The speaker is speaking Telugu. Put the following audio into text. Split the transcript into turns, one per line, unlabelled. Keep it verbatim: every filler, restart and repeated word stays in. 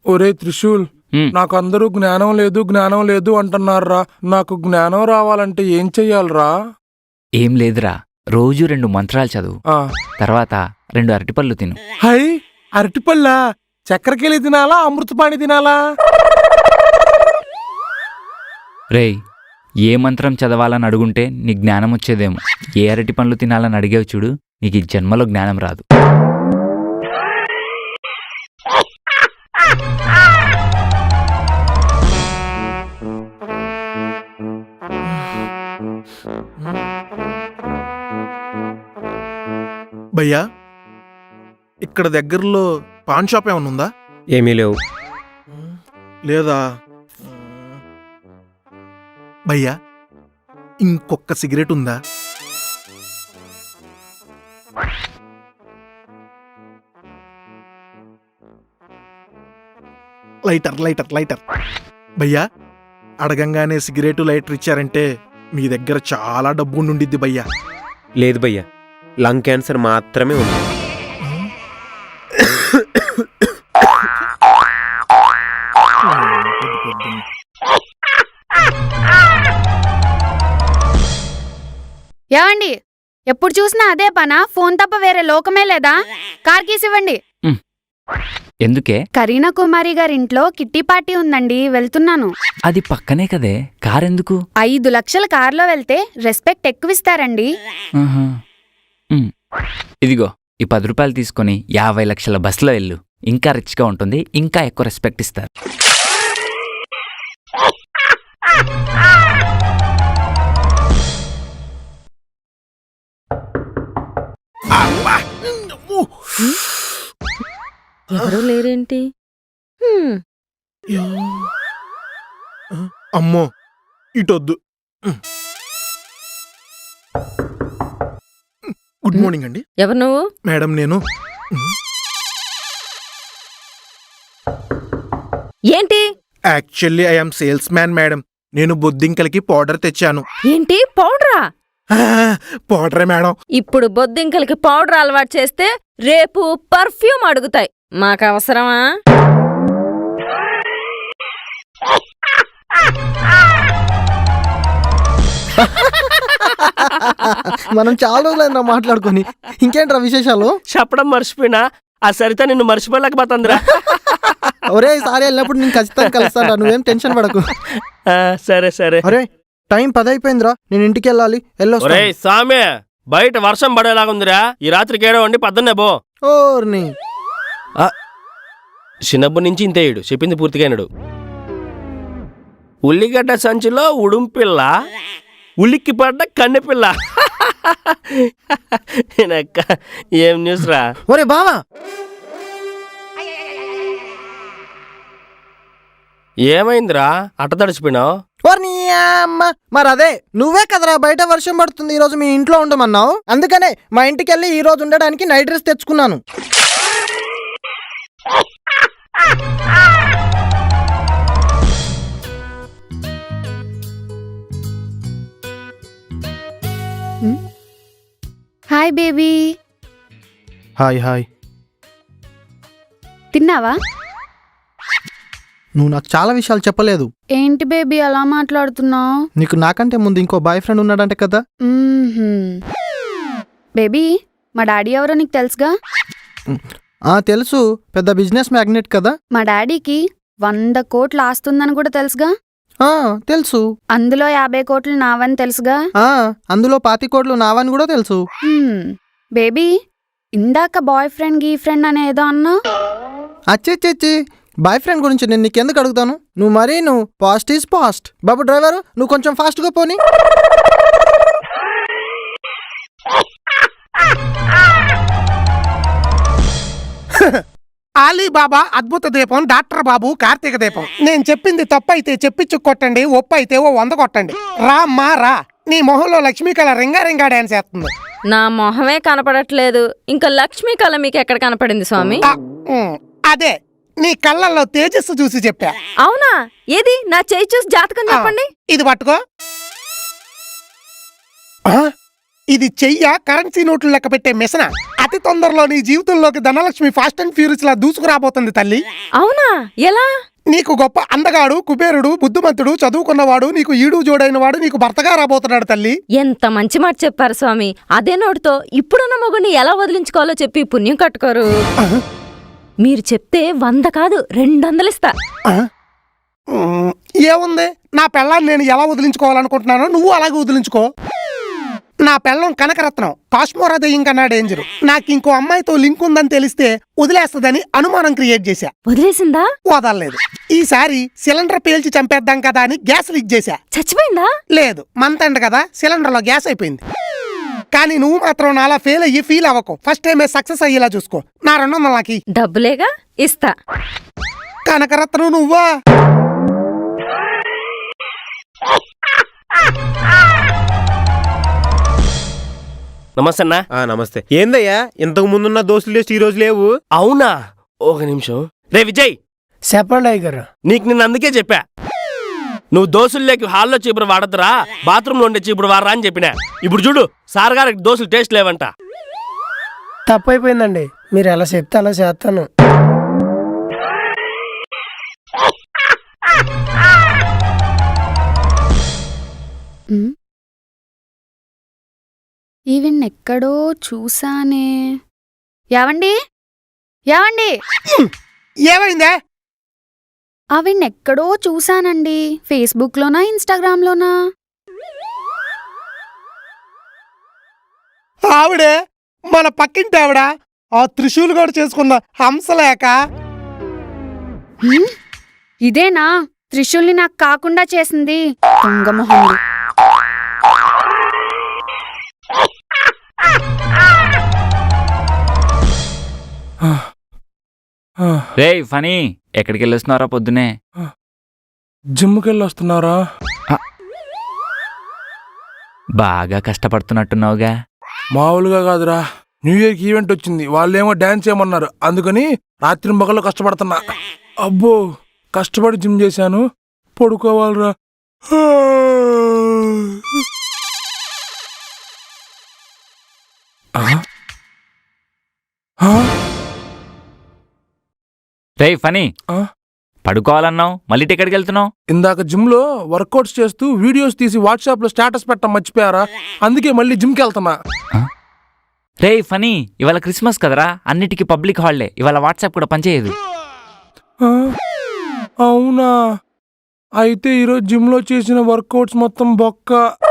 ఒరే త్రిశూల్, నాకు అందరూ జ్ఞానం లేదు జ్ఞానం లేదు అంటున్నారా. నాకు జ్ఞానం రావాలంటే ఏం చెయ్యాలరా?
ఏం లేదురా, రోజు రెండు మంత్రాలు చదువు, తర్వాత రెండు అరటిపళ్ళు తిను.
హై, అరటిపళ్ళ? చక్కెరకేళి తినాలా అమృతపాణి తినాలా?
రేయ్, ఏ మంత్రం చదవాలని అడుగుంటే నీ జ్ఞానం వచ్చేదేమో. ఏ అరటి పండ్లు తినాలని అడిగేవు చూడు, నీకు ఈ జన్మలో జ్ఞానం రాదు.
భయ్యా, ఇక్కడ దగ్గరలో పాన్ షాప్ ఏమన్నా ఉందా?
ఏమీ లేవు.
లేదా భయ్యా, ఇంకొక సిగరెట్ ఉందా? లైటర్ లైటర్ లైటర్ భయ్యా, అడగంగానే సిగరెట్ లైటర్ ఇచ్చారంటే మీ దగ్గర చాలా డబ్బు ఉండిద్ది భయ్యా.
లేదు భయ్యా, లంగ్ క్యాన్సర్ మాత్రమే ఉంది.
ఏవండి, ఎప్పుడు చూసినా అదే పనా? ఫోన్ తప్ప వేరే లోకమే లేదా? కార్ కీస్ ఇవ్వండి.
ఎందుకే?
కరీనా కుమారి గారింట్లో కిట్టి పార్టీ ఉందండి, వెళ్తున్నాను.
అది పక్కనే కదే, కారెందుకు?
ఐదు లక్షల కార్లో వెళ్తే రెస్పెక్ట్ ఎక్కువిస్తారండి.
ఇదిగో, ఈ పది రూపాయలు తీసుకుని యాభై లక్షల బస్సులో వెళ్ళు. ఇంకా రిచ్గా ఉంటుంది, ఇంకా ఎక్కువ రెస్పెక్ట్ ఇస్తారు.
ఎవరూ లేరేంటి?
అమ్మో, ఇటొద్దు. గుడ్ మార్నింగ్ అండి.
ఎవరు నువ్వు?
మేడం, నేను
ఏంటి?
Actually I'm salesman madam. నేను బొద్దింకలకి పౌడర్ తెచ్చాను.
ఏంటి పౌడరా?
పౌడరే మేడం.
ఇప్పుడు బొద్దింకలకి పౌడర్ అలవాటు చేస్తే రేపు పర్ఫ్యూమ్ అడుగుతాయి. మాకు అవసరమా?
మనం చాలా రోజులైందా మాట్లాడుకొని. ఇంకేంట్రా విశేషాలు?
చెప్పడం మర్చిపోయినా, ఆ సరిత నిన్ను మర్చిపోలేకపోతుందిరా.
ఒరే, ఈసారి వెళ్ళినప్పుడు నేను ఖచ్చితంగా కలుస్తాను, నువ్వేం టెన్షన్ పడకు.
సరే సరే.
అరే, టైం పది అయిపోయిందిరా, నేను ఇంటికి వెళ్ళాలి. వెళ్ళొస్తా.
సామే, బయట వర్షం పడేలాగుందిరా. ఈ రాత్రికి ఏడో వండి పద్దన్నే బో.
ఓర్ని
చిన్నప్పటి నుంచి ఇంతేయుడు చెప్పింది పూర్తిగానడు. ఉల్లిగడ్డ సంచిలో ఉడుంపిల్ల, ఉలిక్కి పడ్డ కన్నెపిల్ల. ఏం న్యూస్ రా?
ఒరే బావా,
ఏమైందిరా అట్ట తడిచిపోయినావు?
మరి అదే నువ్వే కదరా బయట వర్షం పడుతుంది, ఈ రోజు మీ ఇంట్లో ఉండమన్నావు. అందుకనే మా ఇంటికి వెళ్ళి ఈ రోజు ఉండడానికి నైట్ డ్రెస్ తెచ్చుకున్నాను.
Hi baby.
Hi hi.
తిన్నావా?
నువ్వు నాకు చాలా విషయాలు చెప్పలేదు.
ఏంటి బేబీ అలా మాట్లాడుతున్నావు?
నీకు నాకంటే ముందు ఇంకో బాయ్ ఫ్రెండ్ ఉన్నాడంటే కదా.
బేబీ, మా డాడీ ఎవరో నీకు తెలుసుగా?
ఆ తెలుసు, పెద్ద బిజినెస్ మ్యాగ్నెట్ కదా.
మా డాడీకి వంద కోట్లు ఆస్తుందని కూడా తెలుసుగా.
ఆ తెలుసు.
అందులో యాభై కోట్లు నావని తెలుసుగా.
ఆ అందులో పాతి కోట్లు నావని కూడా తెలుసు.
బేబీ, ఇందాక బాయ్ ఫ్రెండ్ గీ ఫ్రెండ్ అనేదో అన్నా.
అచ్చేచ్చి, బాయ్ ఫ్రెండ్ గురించి నేను నీకెందుకు అడుగుతాను? నువ్వు మరీ నువ్వు పాస్ట్ ఈజ్ పాస్ట్. బాబు డ్రైవరు, నువ్వు కొంచెం ఫాస్ట్గా పోనీ.
ఆలీబాబా అద్భుత దీపం, డాక్టర్ బాబు కార్తీక దీపం. నేను చెప్పింది తప్పైతే చెప్పించు కొట్టండి, ఒప్పు అయితే ఓ వంద కొట్టండి. రా అమ్మా రా, నీ మొహంలో లక్ష్మీ కళ రింగా రింగా డాన్స్ చేస్తుంది.
నా మొహమే కనపడట్లేదు, ఇంకా లక్ష్మీ కళ మీకు ఎక్కడ కనపడింది స్వామి?
అదే నీ కళ్ళల్లో తేజస్సు చూసి చెప్పా.
అవునా? ఏది నా చేయి చూసి జాతకం చెప్పండి.
ఇది పట్టుకో. ఇది చెయ్య కరెన్సీ నోట్లు లెక్క పెట్టే మిషన్. అతి తొందరలో నీ జీవితంలోకి ధనలక్ష్మి ఫాస్ట్ అండ్ ఫ్యూరియస్ లా దూసుకురాబోతుంది తల్లి.
అవునా? ఎలా?
నీకు గొప్ప అందగాడు, కుబేరుడు, బుద్ధిమంతుడు, చదువుకున్నవాడు, నీకు ఈడు జోడైన వాడు నీకు భర్తగా రాబోతున్నాడు తల్లి.
ఎంత మంచి మాట చెప్పారు స్వామి. అదే నోటితో ఇప్పుడున్న మొగుడిని ఎలా వదిలించుకోవాలో చెప్పి పుణ్యం కట్టుకోరు. మీరు చెప్తే వంద కాదు రెండు వందలు ఇస్తా.
ఉమ్, ఏముంది, నా పెళ్ళాన్ని నేను ఎలా వదిలించుకోవాలనుకుంటున్నానో నువ్వు అలాగే వదిలించుకో. నా పెళ్ళం కనకరత్నం, కాశ్మోరా దెయ్యం కన్నా డేంజరు. నాకు ఇంకో అమ్మాయితో లింక్ ఉందని తెలిస్తే వదిలేస్తదని అనుమానం క్రియేట్ చేశా.
వదిలేసిందా?
వదలలేదు. ఈసారి సిలిండర్ పేల్చి చంపేద్దాం కదా అని గ్యాస్ లీక్ చేశా.
చచ్చిపోయిందా?
లేదు, మంత్ ఎండ్ కదా, సిలిండర్ లో గ్యాస్ అయిపోయింది. కానీ నువ్వు మాత్రం నాలా ఫెయిల్ అయ్యి ఫీల్ అవ్వకు. ఫస్ట్ టైమే సక్సెస్ అయ్యేలా చూసుకో. నా రెండు వందల నాకి
డబ్బులేగా, ఇస్తా.
కనకరత్నం నువ్వా?
నమస్తే అన్నా.
ఆ నమస్తే. ఏందయ్యా ఇంతకు ముందున్న దోస్తులు లిస్ట్ ఈ రోజు లేవు?
అవునా? ఒక నిమిషం. రే విజయ్,
చెప్పండి అయ్యగారు.
నీకు నిన్న అందుకే చెప్పా, నువ్వు దోసుల్లోకి హాల్లో చీపురు వాడద్దురా, బాత్రూంలో ఉండే చీపురు వాడరా అని చెప్పినా. ఇప్పుడు చూడు, సార్ గారికి దోసులు టేస్ట్ లేవంట.
తప్పైపోయిందండి, మీరు ఎలా చెప్తే అలా చేస్తాను.
ఈవెన్ ఎక్కడో చూసానే. యావండి యావండి
ఏమైందే?
ఆవిడ్ని ఎక్కడో చూసానండి. ఫేస్బుక్ లోనా ఇన్స్టాగ్రామ్ లోనా?
ఆవిడే మన పక్కింటి ఆవిడ, ఆ త్రిశూలు కూడా చేసుకున్న హంసలేక.
హ్మ్? ఇదేనా త్రిశూల్ని నాకు కాకుండా చేసింది? దొంగమొహంది.
రే ఫనీ, ఎక్కడికి వెళ్ళొస్తున్నారా పొద్దునే?
జిమ్కి వెళ్ళి వస్తున్నారా?
బాగా కష్టపడుతున్నట్టున్నావుగా.
మామూలుగా కాదురా, న్యూ ఇయర్కి ఈవెంట్ వచ్చింది. వాళ్ళేమో డాన్స్ చేయమన్నారు, అందుకని రాత్రి మగళ్ళు కష్టపడుతున్నా. అబ్బో, కష్టపడి జిమ్ చేశాను, పడుకోవాలరా.
రే ఫనీ,
ఆ?
పడుకోవాలన్నావు, మళ్ళీ ఎక్కడికి వెళ్తున్నావు?
ఇందాక జిమ్ లో వర్కౌట్స్ చేస్తూ వీడియోస్ తీసి వాట్సాప్ లో స్టేటస్ పెట్టడం మర్చిపోయారా, అందుకే మళ్ళీ జిమ్కి వెళ్తున్నా.
రే ఫనీ, ఇవాళ క్రిస్మస్ కదరా, అన్నిటికీ పబ్లిక్ హాలిడే. ఇవాళ వాట్సాప్ కూడా పనిచేయదు.
ఆ? అవునా? అయితే ఈరోజు జిమ్ లో చేసిన వర్కౌట్స్ మొత్తం బొక్క.